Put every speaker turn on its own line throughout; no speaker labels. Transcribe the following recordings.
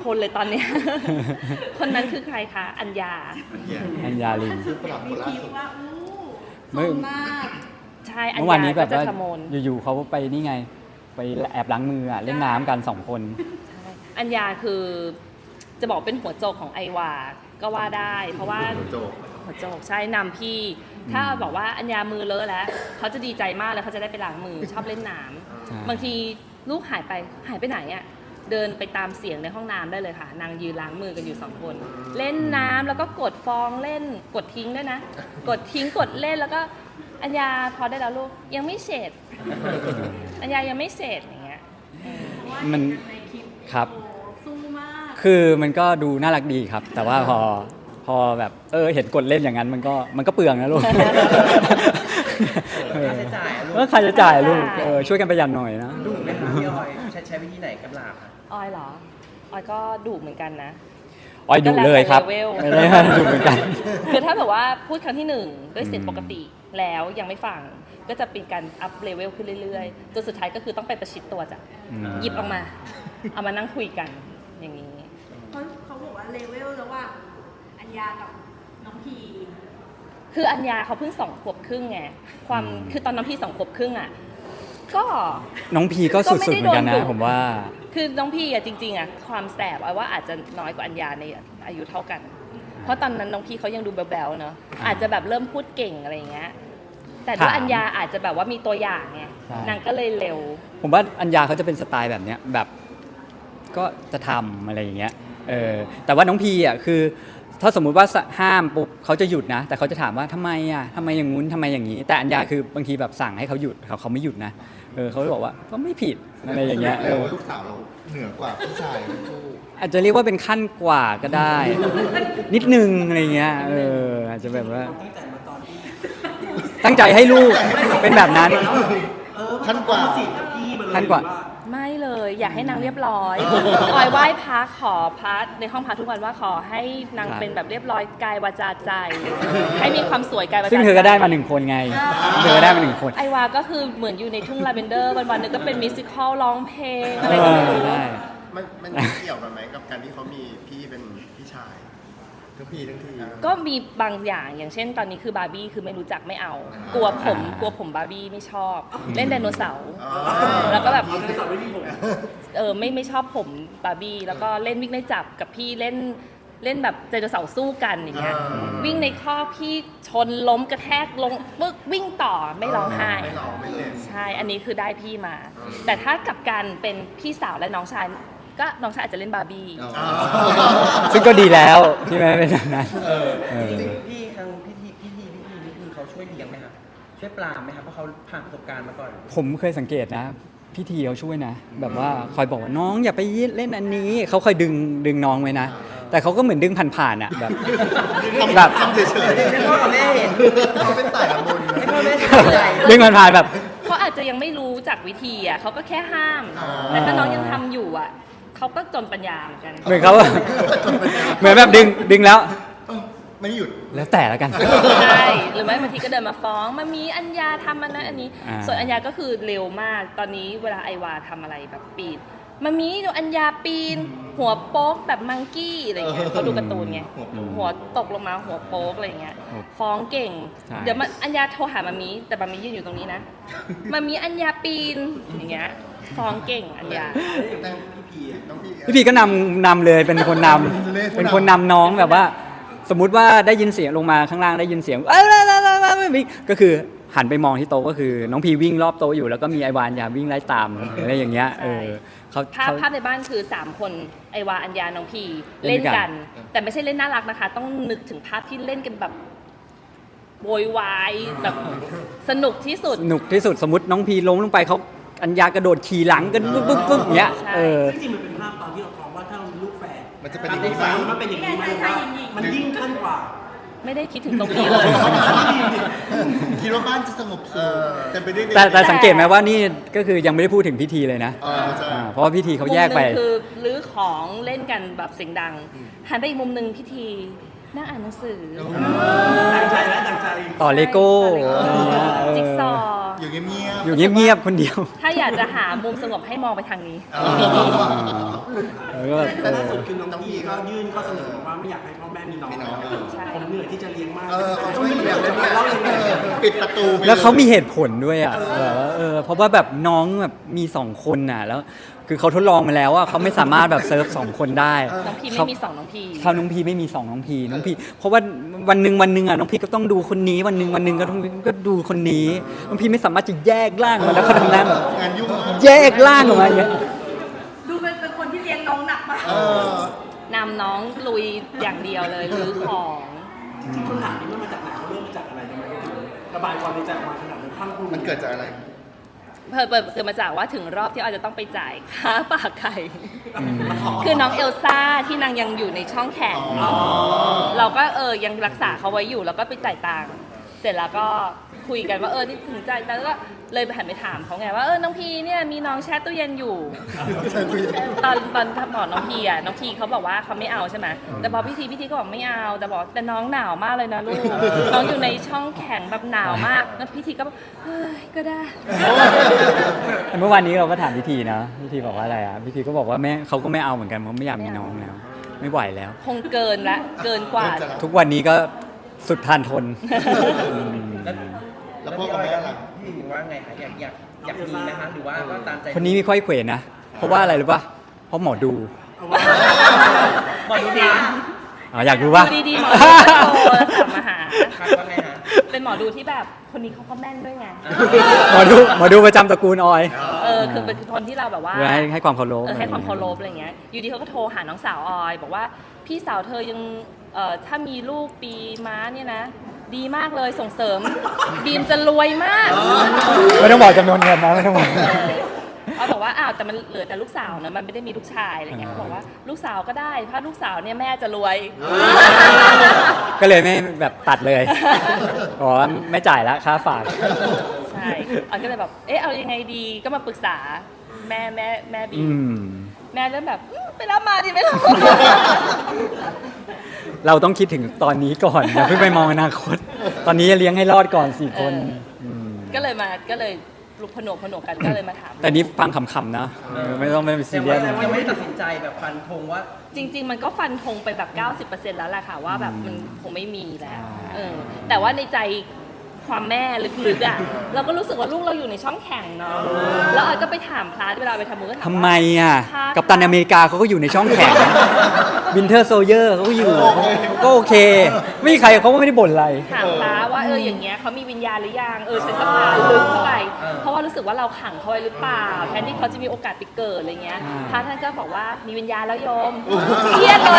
คนเลยตอนเนี้ย คนนั้นคือใครคะอัญญา
ลิน
ซื้อประดับคนล่าสุด
ว่า
เมื่อ
สมมาก
ใช่อัญ
เมื่อวาน
ญา
นี้แบ
ก็
บ
จะ
ว่า
ขโมย
อยู่ๆเขาไปนี่ไง ไปแอบล้างมือเล่นน้ำกัน2 คน
อัญญาคือจะบอกเป็นหัวโจกของไอวาก็ว่าได้ เพราะว่า
หัวโจก
หัวโจกใช่นำพี่ ถ้าบอกว่าอัญญามือเลอะแล้วเขาจะดีใจมากเลยเขาจะได้ไปล้างมือชอบเล่นน้ำ
ใช่
บางทีลูกหายไปไหนอ่ะเดินไปตามเสียงในห้องน้ำได้เลยค่ะนางยืนล้างมือกันอยู่2 คน เล่นน้ำแล้วก็กดฟองเล่นกดทิ้งด้วยนะ กดทิ้งกดเล่นแล้วก็อัญญาพอได้แล้วลูกยังไม่เสร็จ อัญญายังไม่เสร็จอย่างเงี้ย
มัน
ในคลิป
ครับ
โอ้สู้มาก
คือมันก็ดูน่ารักดีครับ แต่ว่าพอแบบเห็นกดเล่นอย่างนั้นมันก็เปลืองนะลูก
ค่าใช้จ่ายอะลูก
แล้วใครจะจ่ายลูกช่วยกันประหยัดหน่อยนะ
ดุไหมคะพี่ออยใช้วิธีไหนกับหลาบคะ
ออยเหรอออยก็ดุเหมือนกันนะ
อ้อยดุเลยครับ
ก็แล้วแต่
ไม่
level
ได้ดุเหมือนกัน
คือถ้าแบบว่าพูดครั้งที่1ด้วยเสียงปกติแล้วยังไม่ฟังก็จะเป็นการอัพเลเวลขึ้นเรื่อยๆจนสุดท้ายก็คือต้องไปประชิดตัวจ้ะ
อืม
หยิบออกมา เอามานั่งคุยกันอย่างนี้
เขาบอกว่าเลเวลระหว่างอัญญากับน้องพี
คืออัญญาเขาเพิ่ง2 ขวบครึ่งไงความคือตอนน้องพี่2 ขวบครึ่งอ่ะก็
น้องพีก็สุดๆเหมือนกันนะผมว่า
คือน้องพี่อะจริงๆอะความแสบเอาว่าอาจจะน้อยกว่าอัญญาในอายุเท่ากัน เพราะตอนนั้นน้องพี่เขายังดูแบ๊วๆเนาะอาจจะแบบเริ่มพูดเก่งอะไรอย่างเงี้ยแต่ด้วย
ถาม
อัญญาอาจจะแบบว่ามีตัวอย่างไง
ใช่
นางก็เลยเร็ว
ผมว่าอัญญาเขาจะเป็นสไตล์แบบเนี้ยแบบก็จะทำอะไรอย่างเงี้ยแต่ว่าน้องพีอ่ะคือถ้าสมมุติว่าห้ามปุ๊บเขาจะหยุดนะ แต่เขาจะถามว่าทำไมอ่ะทำไมอย่างงู้นทำไมอย่างนี้ แต่อัญญาคือบางทีแบบสั่งให้เขาหยุดเขาไม่หยุดนะเขาจะบอกว่าก็ไม่ผิดอะไรอย่างเงี้ย
แต่ว่าลูกสาวเราเหนือกว่าพี่ชายทั้งคู่
อาจจะเรียกว่าเป็นขั้นกว่าก็ได้ นิดนึงอะไรเงี้ยอาจจะแบบว่าตั้งใจให้ลูกเป็นแบบนั้น
ขั้นกว่า
ขั้นกว่า
ไม่เลยอยากให้นางเรียบร้อยออยไหว้พระขอพระในห้องพระทุกวันว่าขอให้นางเป็นแบบเรียบร้อยกายวาจาใจ ให้มีความสวยกายวาจาใจ
ซึ่งเธอก็ได้มา1 คนไงเธอก็ได้มา1 คน
ไอวาก็คือเหมือนอยู่ในทุ่งลาเวนเดอร์วันๆนึงก็เป็นมิวสิควลร้องเพลงอะไรก็ไม่รู้
ได้
มันเกี่ยวกันไหมกับการที่เขามีพี่เป็นพี่ชายทั้งพี่ทั้งที
ก็มีบางอย่างอย่างเช่นตอนนี้คือบาร์บี้คือไม่รู้จักไม่เอา กลัวผมบาร์บี้ไม่ชอบ เล่นไดโนเสาร์แล้วก็แบบไม่ชอบผมบาร์บี้แล้วก็เล่นวิ่งไล่จับกับพี่เล่นแบบไดโนเสาร์สู้กันอย่างเงี้ยวิ่งในคอกพี่ชนล้มกระแทกลงปึ๊กวิ่งต่อไม่ร้องไห้
ไม่หล่อไม่เล่น
ใช่อันนี้คือได้พี่มา แต่ถ้ากลับกันเป็นพี่สาวและน้องชายก็น้องชายอาจจะเล่นบาร์บี้
ซึ่งก็ดีแล้วที่ไม่เป็นแบบนั้น
จริงๆพี่ทางพิธีนี่คือเขาช่วยเลี้ยงไหมครับช่วยปรามไหมครับเพราะเขาผ่านประสบการณ์มาก่อน
ผมเคยสังเกตนะพี่ทีเขาช่วยนะ แบบว่าคอยบอกว่าน้องอย่าไปเล่นอันนี้เขาคอยดึงน้องไว้นะ แต่เขาก็เหมือนดึงผ่านๆอ่ะแบบ แบบ
ทำเฉยๆ
ให้พ่อกับแม่เห็น
เขาเป็นสายละมุน
ให้พ่อแม่สบายใจ
ดึงผ่านๆแบบ
เขาอาจจะยังไม่รู้จักวิธีอ่ะเขาก็แค่ห้าม แต่ถ้าน้องยังทำอยู่อ่ะเขาก็จนปัญญาเหมือนกัน
เหมือนเขาเหมือนแบบดึงแล้ว
ไม่หยุด
แล้วแต่แล้วกัน
ใช่หรือไม่บางทีก็เดินมาฟ้องมามีอัญญาทำอันนั้นอันนี้ ส่วนอัญญาก็คือเร็วมากตอนนี้เวลาไอวาทำอะไรแบบปีนมามีดูอัญญาปีน หัวโป๊กแบบมังกี้อะไรเงี้ยเขาดูการ์ตูนไงหัวตกลงมาหัวโป๊กอะไรเงี้ยฟ้องเก่ง
ใช่
เดี๋ยวอัญญาโทรหามามีแต่มามียืนอยู่ตรงนี้นะมามีอัญญาปีนอย่างเงี้ยฟ้องเก่งอัญญา
แต่พี่พีน้องพี่
พี่พีก็นำเลยเป็นคนนำเป็นคนนำน้องแบบว่า สมมุติว่าได้ยินเสียงลงมาข้างล่างได้ยินเสียงก็คือหันไปมองที่โต๊ะก็คือน้องพีวิ่งรอบโต๊ะอยู่แล้วก็มีไอวานยาวิ่งไล่ตามอะไรอย่างเงี้ยเขา
ภาพในบ้านคือ3 คนไอวาอัญญาน้องพี
เล่
เล่
น
น
กั
กัน น แต่ไม่ใช่เล่นน่ารักนะคะ ต้องนึกถึงภาพที่เล่นกันแบบโวยวายแบบสนุกที่สุด
สนุกที่สุดสมมติน้องพีล้มลงไปเขาอัญญากระโดดขี่หลังกันปึ๊บอย่างเงี้ย
ใช่
ซึ่งจริงๆมันเป็นภาพตอนที่เราฟ้องว่าถ้าเรามีลูกแฝด
มันจะเป็นอย่างนี้ไหม
มันเป็นอย่างนี้ไหมว่ามันยิ่งขั้นกว่า
ไม่ได้คิดถึงตรงนี้เลย
คิดว่าบ้านจะสงบสุขแต่ไปด้วย
แต่สังเกตไหมว่านี่ก็คือยังไม่ได้พูดถึงพิธีเลยนะ
ใช่
เพราะว่าพิธีเขาแยกไป
มุมหนึ่งคือรื้อของเล่นกันแบบเสียงดัง หันไปอีกมุมหนึ่งพิธีนั่งอ่านหนังสือ
ดังใจและดังใจ
ต่อเลโก้
ต่อเลโก้จิ๊กซอว์
อยู่เงียบๆ
อยู่เงียบๆคนเดียว
ถ้าอยากจะหามุมสงบให้มองไปทางนี้
แล้วก็
แต่ล่าสุดคือน้องพีก็ยื่นข้อเสนอว่าไม่อยากให้พ่อแม่มีน้อง
ใช่
ผมเหนื่อยที่จะเลี้ยงมาก
เขาช่วยเหลือ
จะมาเล่ายังไง
ปิดประตูไปย
แล้วเขามีเหตุผลด้วยอ่ะแบบว่าเพราะว่าแบบน้องแบบมี2 คนน่ะแล้วคือเขาทดลองมาแล้วว่าเขาไม่สามารถแบบเซิร์ฟ2 คนได้
น้องพีไม่มีสองน้องพี
เขาน้องพีไม่มี2น้องพีเพราะว่าวันหนึ่งอ่ะน้องพีก็ต้องดูคนนี้วันหนึ่งก็ดูคนนี้น้องพีไม่สามารถจะแยกร่างมาแล้วเขาทำงานแบบ
งานยุ่งมาก
แยกร่างออกมาอย่างเงี้ย
ดูเป็นคนที่เลี้ยงน้องหนักมาก
นำน้องลุยอย่างเดียวเลยรื้อของ
คำถามนี้มันมาจากไหนเขาเริ่มมาจากอะไรทำไมเขาถึงระบายความในใจออกมาขนาดนั้นพังพรู
มันเกิดจากอะไร
เปิดเกิดมาจากว่าถึงรอบที่ออยจะต้องไปจ่ายค่าฝากไข่ คือน้องเอลซ่าที่นางยังอยู่ในช่องแข็งเราก็ยังรักษาเขาไว้อยู่แล้วก็ไปจ่ายตังค์เสร็จแล้วก็คุยกันว่านี่ถึงจ่ายตังค์แล้วก็เลยหันไปถามเขาไงว่าน้องพีเนี่ยมีน้องแช่ตู้เย็นอยู่ ตอนบอกน้องพีน้องพีเขาบอกว่าเขาไม่เอาใช่ไหมแต่พอพี่ทีก็บอกไม่เอาแต่น้องหนาวมากเลยนะลูก น้องอยู่ในช่องแข็งแบบหนาวมากแล้วพี่ทีก็บอกเฮ้ยก็ได้
เมื่อวานนี้เราก็ถามพิธีนะพิธีบอกว่าอะไรอ่ะพิธีก็บอกว่าแม่เขาก็ไม่เอาเหมือนกันเพราะไม่อยากมีน้องแล้ว ไม่ไหวแล้ว
คงเกินกว่า
ทุกวันนี้ก็สุดทานทน
แล้วพ่อกับแม่ล่ะ
พี่หมิงว่าไงคะอยากมีนะคะหรือว่าก็ตามใจ
คนนี้ไม่ค่อยเขวนะ เพราะว่าอะไรรู้ป่ะ เพราะหมอดู
หมอดูดี
อยากรู้ป่ะ
ดูดีๆหมอดูก็โทรศัพท์มาหา
ครับว่าไงฮะ
เป็นหมอดูที่แบบคนนี้เขาก็แม่นด้วยไง
หมอดูประจำตระกูลออย
คือเป็นคนที่เราแบบว่า
เพื่อให้ความเคารพ
ให้ความเคารพอะไรเงี้ย อยู่ดีเขาก็โทรหาน้องสาวออย บอกว่าพี่สาวเธอยังถ้ามีลูกปีม้าเนี่ยนะ ดีมากเลยส่งเสริมบีมจะรวยมาก
ไม่ต้องบอกจำนวนเงินนะไม่ต้องบอก
เขาบอกว่าแต่มันเหลือแต่ลูกสาวนะมันไม่ได้มีลูกชายอะไรเงี้ยเขาบอกว่าลูกสาวก็ได้ถ้าลูกสาวเนี่ยแม่จะรวย
ก็เลยไม่แบบตัดเลยอ๋อไม่จ่ายแล้วค่าฝาก
ใช่ออยก็เลยแบบเอายังไงดีก็มาปรึกษาแม่บี
อืม
แม่เริ่มแบบไปรับมาดิไปรับ
เราต้องคิดถึงตอนนี้ก่อนอย่าเพิ่งไปมองอนาคต ตอนนี้เลี้ยงให้รอดก่อน4 คนม
ก็เลยลุกผนวกกันก็เลยมาถาม
แต่นี้ฟังขำๆนะไม่ต้องไปซีเรียส
แต่
นะ
ว่ายังไม่ได้ตัดสินใจแบบฟันธงว่า
จริง ๆ มันก็ฟันธงไปแบบ 90% แล้วแหละค่ะว่าแบบมันคงไม่มีแล้วแต่ว่าในใจความแม่ลึกๆเราก็รู้สึกว่าลูกเราอยู่ในช่องแข่งเนาะแล้วออยก็ไปถามพลาสเวลาไปทำมือก็ถาม
ทำไม
ว่า
กัปตันอเมริกาเขาก็อยู่ในช่องแข็งวินเทอร์โซเยอร์เขาก็อยู่ก็โอเค ไม่มีใครเขาก็ไม่ได้บ่นอะไร
ถามพลาว่าอย่างเงี้ยเขามีวิญญาณหรือยังฉันก็พาลึกเข้าไปเพราะว่ารู้สึกว่าเราขังเขาไว้หรือเปล่าแทนที่เขาจะมีโอกาสไปเกิดอะไรเงี้ยพระท่านก็บอกว่ามีวิญญาณแล้วโยมเครียดเลย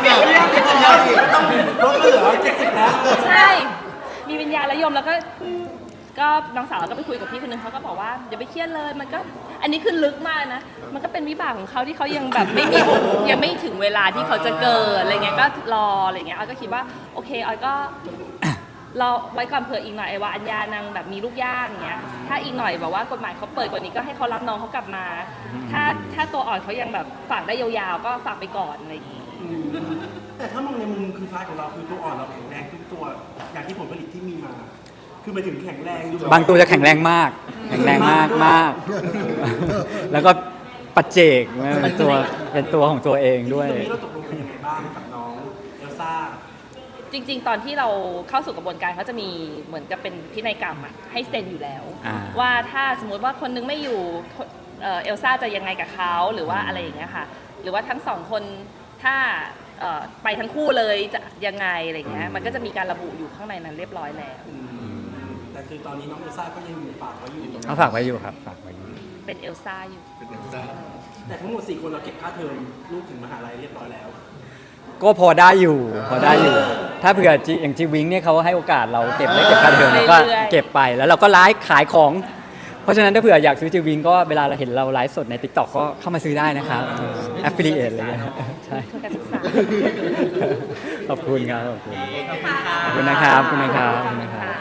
รถก็เหลือ70แล้ว
ใช่ มีวิญญาณแล้วโยมแล้วก็น้องสาวเราก็ไปคุยกับพี่คนนึงเขาก็บอกว่าอย่าไปเครียดเลยมันก็อันนี้คือลึกมากนะมันก็เป็นวิบากของเขาที่เขายังแบบไม่มียังไม่ถึงเวลาที่เขาจะเกิดอะไรเงี้ยก็รออะไรเงี้ยออยก็คิดว่าโอเคออยก็รอไว้ก่อนเผื่ออีกหน่อยไอ้ว่าอัญญานางแบบมีลูกยากอย่างเงี้ยถ้าอีกหน่อยแบบว่ากฎหมายเขาเปิดกว่านี้ก็ให้เขารับน้องเขากลับมา ถ้าตัวอ่อนเขายังแบบฝากได้ยาวๆก็ฝากไปก่อนอะไรอย่างงี้
แต่ถ้ามองในมุมคือพาร์ทของเราคือตัวอ่อนเราแข็งแรงทุกตัวอย่างที่ผลผลิตที่มีมา คือหมายถึงแข็งแรงดู
บางตัวจะแข็งแรงมาก แข็งแรงมาก แล้วก็ปัจเจกเป็นตัวของตัวเองด้วย
ตรงนี้เราตกลงกันยังไงบ้างกับน้องเอลซ่า
จริงๆ ตอนที่เราเข้าสู่กระบวนการเขาจะมีเหมือนกับเป็นพินัยกรรมให้เซ็นอยู่แล้ว ว่าถ้าสมมติว่าคนนึงไม่อยู่เอลซ่าจะยังไงกับเขาหรือว่าอะไรอย่างเงี้ยค่ะหรือว่าทั้ง2 คนถ้าไปทั้งคู่เลยจะยังไงอะไรเงี้ยมันก็จะมีการระบุอยู่ข้างในนั้นเรียบร้อยแล้ว
แต่คือตอนนี้น้องเอลซ่าก็ยังอยู่ฝากไว้อยู่
เขาฝากไว้อยู่ครับฝากไว้อยู่
เป็นเอลซ่าอยู่
แต่ทั้งหมด4 คนเราเก็บค่าเทอมลูกถึงมหาลัยเรียบร้อยแล้ว
ก็พอได้อยู่ ถ้าเผื่ออย่างจีวิงเนี่ยเขาให้โอกาสเราเก็บได้เก็บค่าเทอมแล้วก็เก็บไปแล้วเราก็ไลฟ์ขายของ เพราะฉะนั้นถ้าเผื่ออยากซื้อจีวิงก็เวลาเราเห็นเราไลฟ์สดใน TikTok ก็เข้ามาซื้อได้นะครับaffiliate อะไรเงี้ยใช่
ทุนการศึกษา
ขอบคุณครับขอบคุณ
ขอบคุณค่ะ
ขอบคุณนะครับขอบคุณนะครับ